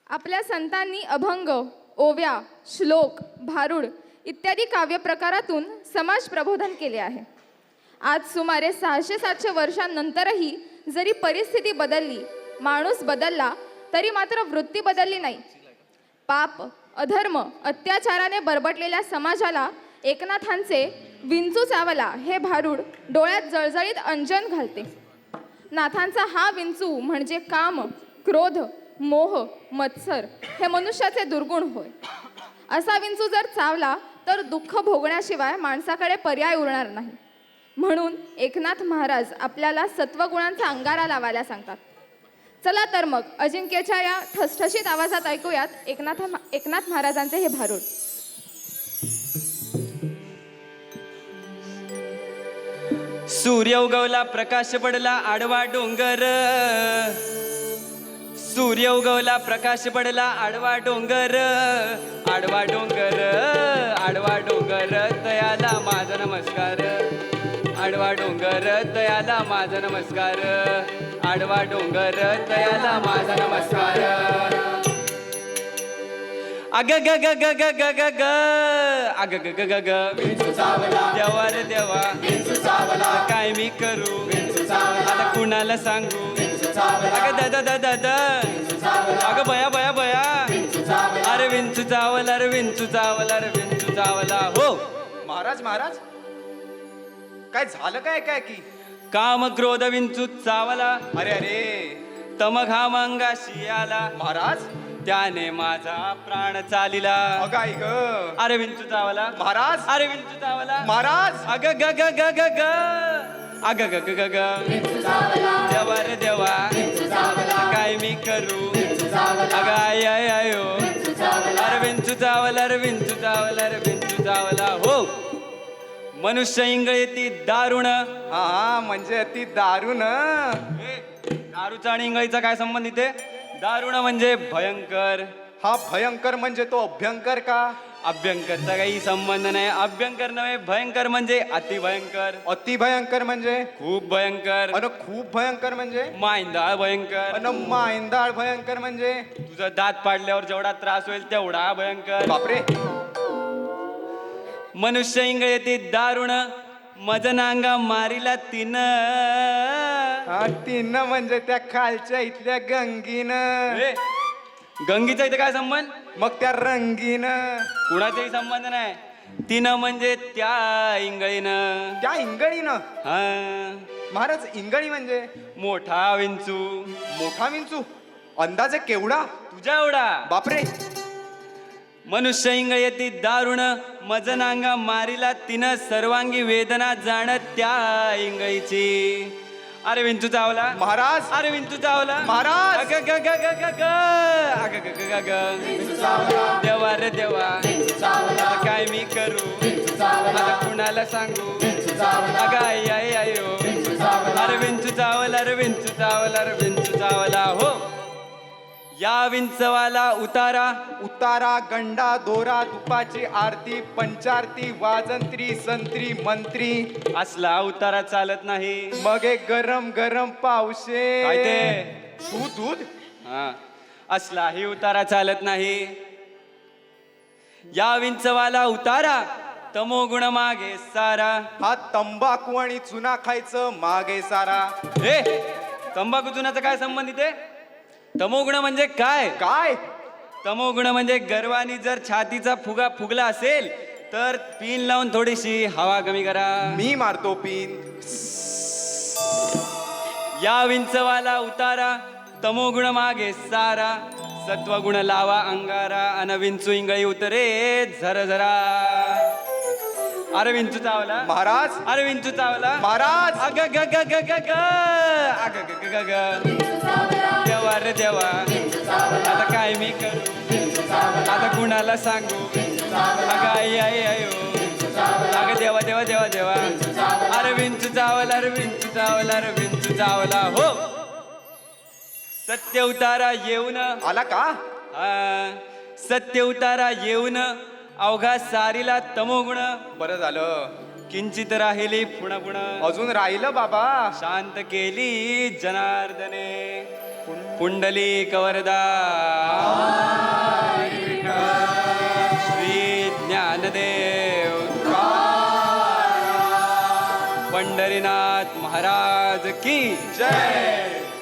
आपल्या संतांनी अभंग, ओव्या, श्लोक, भारुड इत्यादी काव्यप्रकारातून समाज प्रबोधन केले आहे. आज सुमारे 600-700 वर्षांनंतरही जरी परिस्थिती बदलली, माणूस बदलला, तरी मात्र वृत्ती बदलली नाही. पाप, अधर्म, अत्याचाराने बरबटलेल्या समाजाला एकनाथांचे विंचू चावला हे भारूड डोळ्यात जळजळीत अंजन घालते. नाथांचा हा विंचू म्हणजे काम, क्रोध, मोह, मत्सर हे मनुष्याचे दुर्गुण होय. असा विंचू जर चावला तर दुःख भोगण्याशिवाय माणसाकडे पर्याय उरणार नाही. म्हणून एकनाथ महाराज आपल्याला सत्वगुणांचा अंगारा लावायला सांगतात. चला तर मग अजिंक्यच्या या ठसठशीत आवाजात ऐकूयात एकनाथ महाराजांचे हे भारूड. सूर्य उगवला, प्रकाश पडला, आडवा डोंगर. सूर्य उगवला, प्रकाश पडला, आडवा डोंगर. आडवा डोंगर, आडवा डोंगर, तयाला माझा नमस्कार. आडवा डोंगर, तयाला माझा नमस्कार. आडवा डोंगर, तयाला माझा नमस्कार. अग ग ग ग ग ग ग ग अग ग ग ग ग देवा रे देवा, काय मी करू आता कुणाला सांगू. अग दादा दादा दादा, अग बया बया बया, अरे विंचू चावला, अरे विंचू चावला, अरे विंचू चावला. हो महाराज महाराज, काय झालं काय काय की? काम क्रोध विंचू चावला, अरे अरे तमक हा मंगाशी आला, महाराज, त्याने माझा प्राण चालिला. अगाई ग अरे विंचू चावला महाराज, अरे विंचू चावला. महाराज, अग ग ग ग ग ग अग ग ग ग ग देवा रे देवा, काय मी करू अग आय आय आयो. अरे विंचू चावला, अरे विंचू चावला, अरे विंचू चावला. हो मनुष्य इंगळे ती दारुण. हा म्हणजे ती दारून. दारूचा आणि इंगळीचा काय संबंध इथे? दारुण म्हणजे भयंकर. हा भयंकर म्हणजे तो अभ्यंकर का? अभ्यंकरचा काही संबंध नाही. अभ्यंकर नव्हे, भयंकर म्हणजे अति भयंकर. अति भयंकर म्हणजे? खूप भयंकर. अन खूप भयंकर म्हणजे? मांदाळ भयंकर. अन मांदाळ भयंकर म्हणजे? तुझं दात पाडल्यावर जेवढा त्रास होईल तेवढा भयंकर. बापरे. मनुष्य इंगळे ती दारुण, मज नांगा मारिला तिन. हा तीन म्हणजे त्या खालच्या इथल्या गंगीन. गंगीचा इथे काय संबंध? मग त्या रंगीन. कुणाचाही संबंध नाही. तिनं म्हणजे त्या इंगळीनं. त्या इंगळीनं? हा महाराज इंगळी म्हणजे? मोठा विंचू. मोठा विंचू? अंदाजे केवढा? तुझ्या एवढा. बापरे. मनुष्य इंगळे ती दारुण, मज नांगा मारिला तिनं. सर्वांगी वेदना जाण त्या इंगळीची. अरे विंचू चावला महाराज, अरे विंचू चावला महाराज. अग ग ग ग ग ग अग ग ग ग ग देवा रे देवा, आता काय मी करू आता कुणाला सांगू. अग आई आई आयो. अरे विंचू चावला, अरे विंचू चावला, अरे विंचू चावला. हो या विंचवाला उतारा. उतारा, गंडा, दोरा, तुपाची आरती, पंचारती, वाजंत्री, संत्री, मंत्री. असला उतारा चालत नाही. मग एक गरम गरम पावशे. काय ते? दूध दूध. हा असलाही उतारा चालत नाही. या विंचवाला उतारा, तमोगुण मागे सारा. हा तंबाखू आणि चुना खायचं मागे सारा. हे तंबाखू चुनाचा काय संबंध इथे? तमोगुण म्हणजे काय? काय? तमोगुण म्हणजे गर्वानी जर छातीचा फुगा फुगला असेल तर पिन लावून थोडीशी हवा कमी करा. मी मारतो पिन. या विंचवाला उतारा, तमोगुण मागे सारा. सत्वगुण लावा अंगारा, अन विंचू इंगळी उतरे झरझरा. अरे विंचू चावला महाराज, अरे विंचू चावला महाराज. अग ग ग ग ग ग अग ग ग ग ग देवा रे देवा, आता काय मी करू आता कुणाला सांगू. अग आई आई आयो. अग देवा देवा देवा देवा, अरे विंचू चावला, अरे विंचू चावला, अरे विंचू चावला. हो सत्य उतारा येऊन. आला का? सत्य उतारा येऊन अवघा सारीला तमोगुण. बरं झालं. किंचित राहिली पुण पुण. अजून राहिलं बाबा. शांत केली जनार्दने. पुंडलिक वरदा श्री ज्ञानदेव पंढरीनाथ महाराज की जय